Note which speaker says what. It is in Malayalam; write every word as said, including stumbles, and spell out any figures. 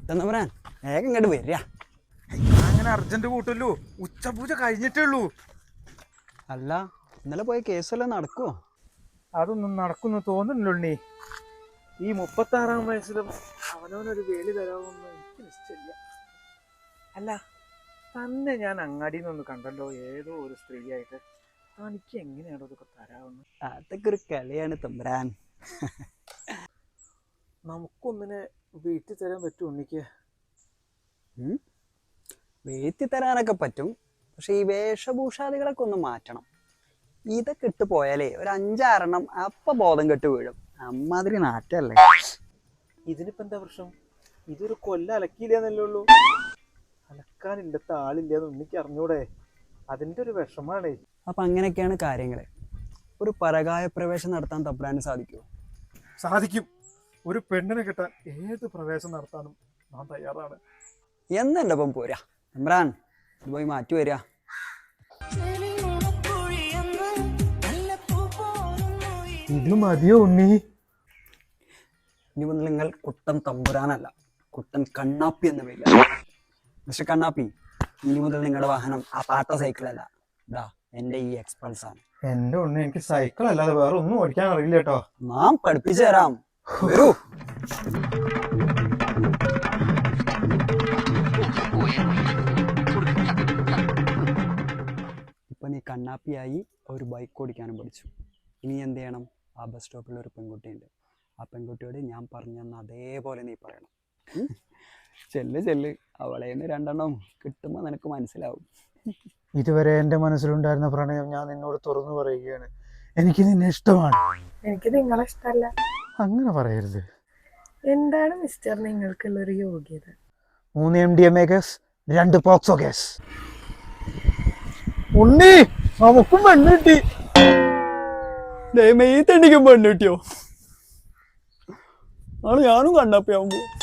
Speaker 1: കുട്ടൻ തമ്പുരാൻ വേഗം ഇങ്ങോട്ട് വരിക.
Speaker 2: അങ്ങനെ അർജന്റ് കൂട്ടല്ലോ, ഉച്ചപൂജ കഴിഞ്ഞിട്ടേ ഉള്ളൂ.
Speaker 1: അല്ല ഇന്നലെ പോയ കേസെല്ലാം നടക്കുവോ?
Speaker 2: അതൊന്നും നടക്കുന്നു തോന്നുന്നില്ല ഉണ്ണി. ഈ മുപ്പത്തി ആറാം വയസ്സിലും അവനവനൊരു വേലി തരാമെന്ന് എനിക്ക് നിശ്ചയില്ല. അല്ല, തന്നെ ഞാൻ അങ്ങാടിയിൽ നിന്നൊന്ന് കണ്ടല്ലോ, ഏതോ ഒരു സ്ത്രീയായിട്ട്. തനിക്ക് എങ്ങനെയാണോ ഇതൊക്കെ തരാമെന്ന്?
Speaker 1: അതൊക്കെ ഒരു കളിയാണ് തമ്പുരാൻ.
Speaker 2: നമുക്കൊന്നിനെ വീട്ടിൽ തരാൻ പറ്റും ഉണ്ണിക്ക്?
Speaker 1: വീട്ടിൽ തരാനൊക്കെ പറ്റും, പക്ഷെ ഈ വേഷഭൂഷാദികളൊക്കെ ഒന്ന് മാറ്റണം. ഇതൊക്കെ ഇട്ട് പോയാലേ ഒരു അഞ്ചാറെണ്ണം അപ്പൊ ബോധം കെട്ട് വീഴും. അമ്മാതിരി നാറ്റല്ലേ.
Speaker 2: ഇതിനിപ്പോ എന്താ പ്രശ്നം? ഇതൊരു കൊല്ല അലക്കിയില്ലെന്നല്ലേ ഉള്ളൂ. അലക്കാനില്ലത്തെ ആളില്ലെന്ന് ഉണ്ണിക്ക് അറിഞ്ഞൂടെ? അതിന്റെ ഒരു വിഷമാണേ.
Speaker 1: അപ്പൊ അങ്ങനെയൊക്കെയാണ് കാര്യങ്ങള്. ഒരു പരകായ പ്രവേശം നടത്താൻ തമ്പുരാന് സാധിക്കുമോ?
Speaker 2: സാധിക്കും. ഒരു പെണ്ണിനെ കിട്ടാൻ ഏത് പ്രവേശം നടത്താനും ഞാൻ തയ്യാറാണ്.
Speaker 1: എന്നെ ഒപ്പം പോരാ തമ്പുരാൻ, ഇത് പോയി മാറ്റി വരിക.
Speaker 2: ഇത് മതിയോ ഉണ്ണി?
Speaker 1: ഇനി മുതൽ നിങ്ങൾ കുട്ടൻ തമ്പുരാനല്ല, കുട്ടൻ കണ്ണാപ്പി എന്ന പേരില്ല. മിസ്റ്റർ കണ്ണാപ്പി, ഇനി മുതൽ നിങ്ങളുടെ വാഹനം ആ പാട്ട സൈക്കിളല്ല, ഇതാ എന്റെ ഈ എക്സ്പൾസ് ആണ്.
Speaker 2: എന്റെ ഉണ്ണി, എനിക്ക് സൈക്കിൾ അല്ലാതെ വേറെ ഒന്നും ഓടിക്കാൻ അറിയില്ല കേട്ടോ.
Speaker 1: നാം പഠിപ്പിച്ചു തരാം, വരൂ. ഇപ്പൊ നീ കണ്ണാപ്പിയായി ഒരു ബൈക്ക് ഓടിക്കാനും പഠിച്ചു. ഇനി എന്ത് ചെയ്യണം? ആ ബസ് സ്റ്റോപ്പിൽ ഒരു പെൺകുട്ടിയുണ്ട്, ആ പെൺകുട്ടിയോട് ഞാൻ പറഞ്ഞെന്ന് അതേപോലെ നീ പറയണം. ചെല്ല് ചെല്ല്, അവളെ നിന്ന് രണ്ടെണ്ണം കിട്ടുമ്പോൾ നിനക്ക് മനസ്സിലാവും.
Speaker 2: ഇതുവരെ എന്റെ മനസ്സിലുണ്ടായിരുന്ന പ്രണയം ഞാൻ നിന്നോട് തുറന്നു പറയുകയാണ്. എനിക്ക് നിന്നെ ഇഷ്ടമാണ്.
Speaker 3: എനിക്ക് നിങ്ങളെ ഇഷ്ടമല്ല.
Speaker 2: അങ്ങനെ പറയരുത്.
Speaker 3: എന്താണ് മിസ്റ്റർ നിങ്ങൾക്കുള്ള ഒരു യോഗ്യത?
Speaker 2: മൂന്ന് M D M A case, രണ്ട് പോക്സോ കേസ്. ഉണ്ണി, നമുക്കും പെണ്ണ് കിട്ടി.
Speaker 1: മെയ് തണ്ടിക്കും പെണ്ണ് കിട്ടിയോ? ആണ് ഞാനും കണ്ണാപ്പിയാവുമ്പോ